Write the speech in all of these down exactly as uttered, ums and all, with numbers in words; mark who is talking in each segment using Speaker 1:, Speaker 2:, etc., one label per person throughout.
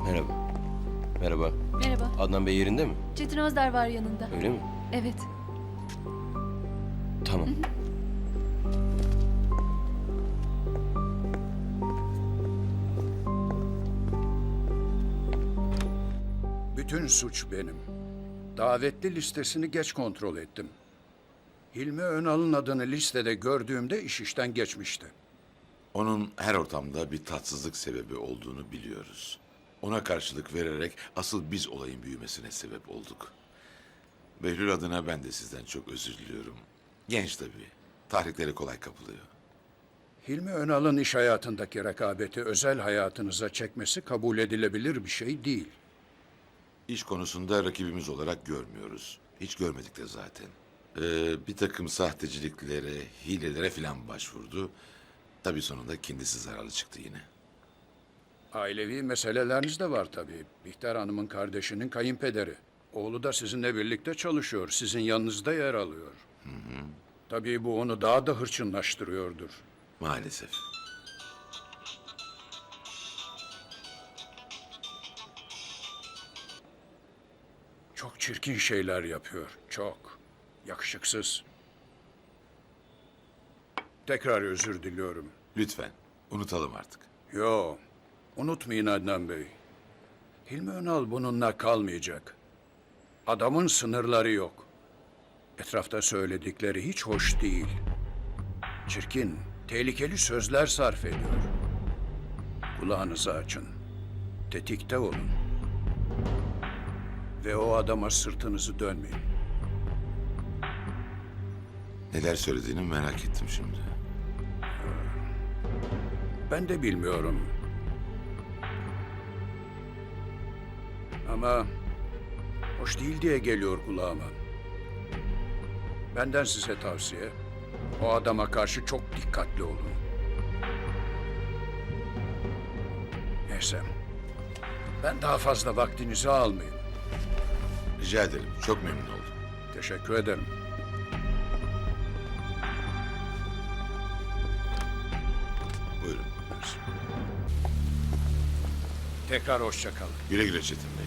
Speaker 1: Merhaba. Merhaba.
Speaker 2: Merhaba.
Speaker 1: Adnan Bey yerinde mi?
Speaker 2: Çetin Özdar var yanında.
Speaker 1: Öyle mi?
Speaker 2: Evet.
Speaker 1: Tamam.
Speaker 3: Bütün suç benim. Davetli listesini geç kontrol ettim. Hilmi Önal'ın adını listede gördüğümde iş işten geçmişti.
Speaker 4: Onun her ortamda bir tatsızlık sebebi olduğunu biliyoruz. Ona karşılık vererek asıl biz olayın büyümesine sebep olduk. Behlül adına ben de sizden çok özür diliyorum. Genç tabii. Tahriklere kolay kapılıyor.
Speaker 3: Hilmi Önal'ın iş hayatındaki rekabeti özel hayatınıza çekmesi kabul edilebilir bir şey değil.
Speaker 4: İş konusunda rakibimiz olarak görmüyoruz. Hiç görmedik de zaten. Ee, bir takım sahteciliklere, hilelere filan başvurdu. Tabii sonunda kendisi zararlı çıktı yine.
Speaker 3: Ailevi meseleleriniz de var tabii. Bihter Hanım'ın kardeşinin kayınpederi. Oğlu da sizinle birlikte çalışıyor. Sizin yanınızda yer alıyor. Hı hı. Tabii bu onu daha da hırçınlaştırıyordur.
Speaker 4: Maalesef.
Speaker 3: Çok çirkin şeyler yapıyor. Çok. Yakışıksız. Tekrar özür diliyorum.
Speaker 4: Lütfen unutalım artık.
Speaker 3: Yo, unutmayın Adnan Bey. Hilmi Önal bununla kalmayacak. Adamın sınırları yok. Etrafta söyledikleri hiç hoş değil. Çirkin, tehlikeli sözler sarf ediyor. Kulağınızı açın. Tetikte olun. Ve o adama sırtınızı dönmeyin.
Speaker 4: Neler söylediğini merak ettim şimdi.
Speaker 3: Ben de bilmiyorum. Ama hoş değil diye geliyor kulağıma. Benden size tavsiye, o adama karşı çok dikkatli olun. Neyse, ben daha fazla vaktinizi almayayım.
Speaker 4: Rica ederim. Çok memnun oldum.
Speaker 3: Teşekkür ederim.
Speaker 4: Buyurun.
Speaker 3: Tekrar hoşça kalın.
Speaker 4: Güle güle Çetin Bey.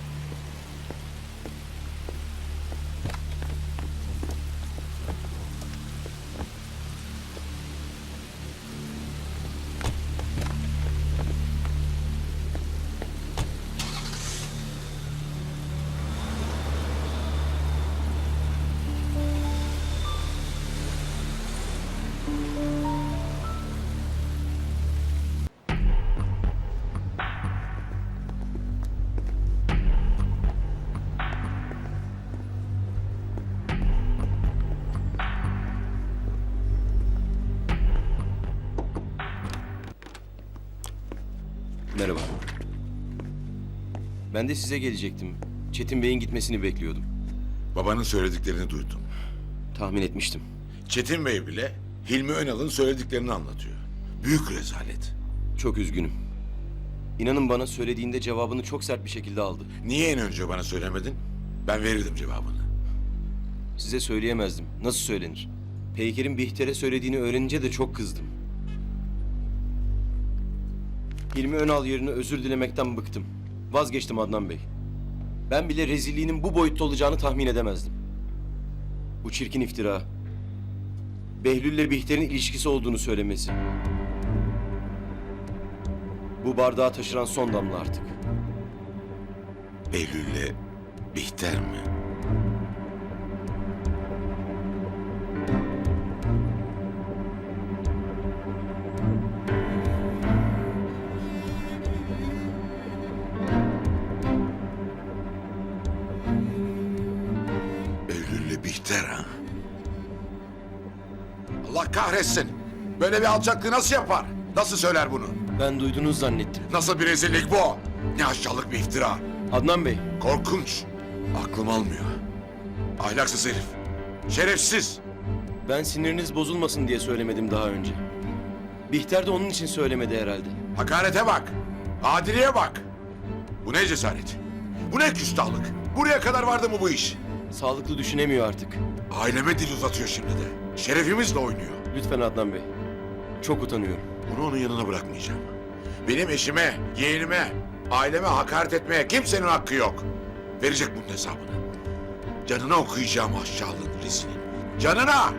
Speaker 1: Merhaba. Ben de size gelecektim. Çetin Bey'in gitmesini bekliyordum.
Speaker 4: Babanın söylediklerini duydum.
Speaker 1: Tahmin etmiştim.
Speaker 4: Çetin Bey bile Hilmi Önal'ın söylediklerini anlatıyor. Büyük rezalet.
Speaker 1: Çok üzgünüm. İnanın bana söylediğinde cevabını çok sert bir şekilde aldı.
Speaker 4: Niye en önce bana söylemedin? Ben verirdim cevabını.
Speaker 1: Size söyleyemezdim. Nasıl söylenir? Peyker'in Bihter'e söylediğini öğrenince de çok kızdım. Hilmi Önal yerine özür dilemekten bıktım. Vazgeçtim Adnan Bey. Ben bile rezilliğinin bu boyutta olacağını tahmin edemezdim. Bu çirkin iftira. Behlül'le Bihter'in ilişkisi olduğunu söylemesi. Bu bardağı taşıran son damla artık.
Speaker 4: Behlül'le Bihter mi? Behlül'le Bihter ha? Allah kahretsin! Böyle bir alçaklığı nasıl yapar? Nasıl söyler bunu?
Speaker 1: Ben duydunuz zannettim.
Speaker 4: Nasıl bir rezillik bu? Ne aşağılık bir iftira.
Speaker 1: Adnan Bey,
Speaker 4: Korkunç. Aklım almıyor. Ahlaksız herif. Şerefsiz.
Speaker 1: ben siniriniz bozulmasın diye söylemedim daha önce. Bihter de onun için söylemedi herhalde.
Speaker 4: Hakarete bak. Adiliğe bak. Bu ne cesaret? Bu ne küstahlık? Buraya kadar vardı mı bu iş?
Speaker 1: Sağlıklı düşünemiyor artık.
Speaker 4: Aileme dil uzatıyor şimdi de. Şerefimizle oynuyor.
Speaker 1: Lütfen Adnan Bey. Çok utanıyorum.
Speaker 4: Bunu onun yanına bırakmayacağım. Benim eşime, yeğenime Aileme hakaret etmeye kimsenin hakkı yok. Verecek bunun hesabını. Canına okuyacağım aşağılığın rezilin. Canına!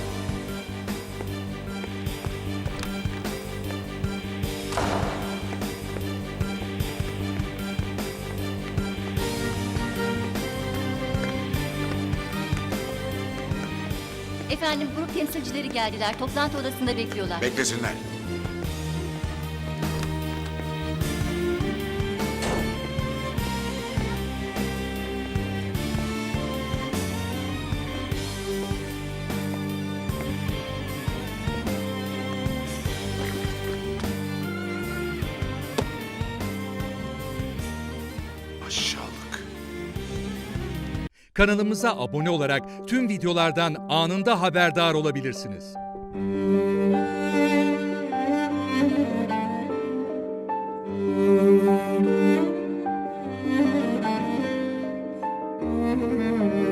Speaker 2: Efendim grup temsilcileri geldiler. Toplantı odasında bekliyorlar.
Speaker 4: Beklesinler. Aşağılık.
Speaker 5: Kanalımıza abone olarak tüm videolardan anında haberdar olabilirsiniz.
Speaker 2: Müzik